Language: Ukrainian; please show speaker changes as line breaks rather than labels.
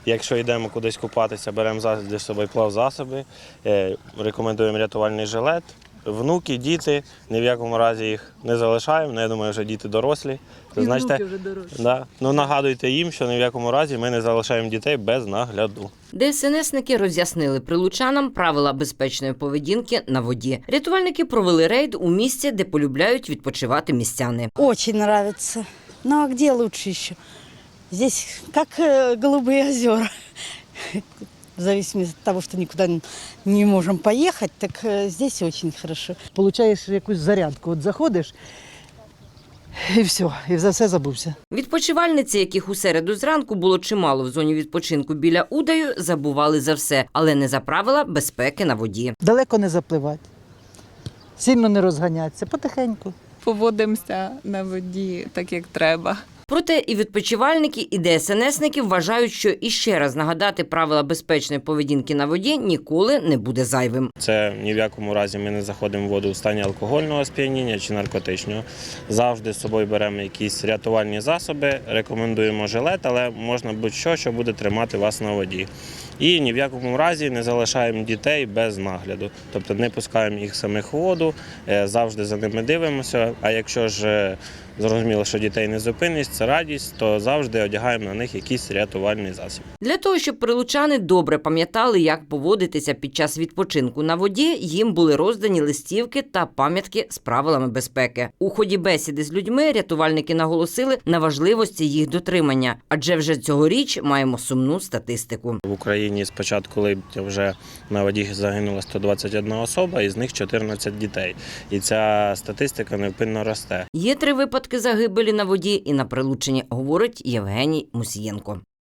Якщо йдемо кудись купатися, беремо завжди з собою плавзасоби, рекомендуємо рятувальний жилет. Внуки, діти, ні в якому разі їх не залишаємо. Я думаю, вже діти дорослі.
І внуки вже дорослі.
Да. Нагадуйте їм, що ні в якому разі ми не залишаємо дітей без нагляду.
ДСНСники роз'яснили прилучанам правила безпечної поведінки на воді. Рятувальники провели рейд у місці, де полюбляють відпочивати містяни.
Очень нравится. Ну а где лучше еще? Здесь как голубые озера. В зависимости от того, что никуда не можем поехать, так здесь очень хорошо.
Получаєш якусь зарядку, от заходиш і все, і за все забувся.
Відпочивальниці, яких у середу зранку було чимало в зоні відпочинку біля Удаю, забували за все, але не за правила безпеки на воді.
Далеко не запливати, сильно не розганятися, потихеньку.
Поводимося на воді так, як треба.
Проте і відпочивальники, і ДСНСники вважають, що іще раз нагадати правила безпечної поведінки на воді ніколи не буде зайвим.
Це ні в якому разі ми не заходимо в воду у стані алкогольного сп'яніння чи наркотичного. Завжди з собою беремо якісь рятувальні засоби, рекомендуємо жилет, але можна будь-що, що буде тримати вас на воді. І ні в якому разі не залишаємо дітей без нагляду. Тобто не пускаємо їх самих у воду, завжди за ними дивимося. А якщо ж зрозуміло, що дітей не зупинить, це радість, то завжди одягаємо на них якийсь рятувальний засіб.
Для того, щоб прилучани добре пам'ятали, як поводитися під час відпочинку на воді, їм були роздані листівки та пам'ятки з правилами безпеки. У ході бесіди з людьми рятувальники наголосили на важливості їх дотримання, адже вже цьогоріч маємо сумну статистику.
В Україні з початку липня вже на воді загинула 121 особа, із них 14 дітей. І ця статистика невпинно росте.
Є 3 випадки загибелі на воді і на Прилуччині, говорить Євгеній Мусієнко.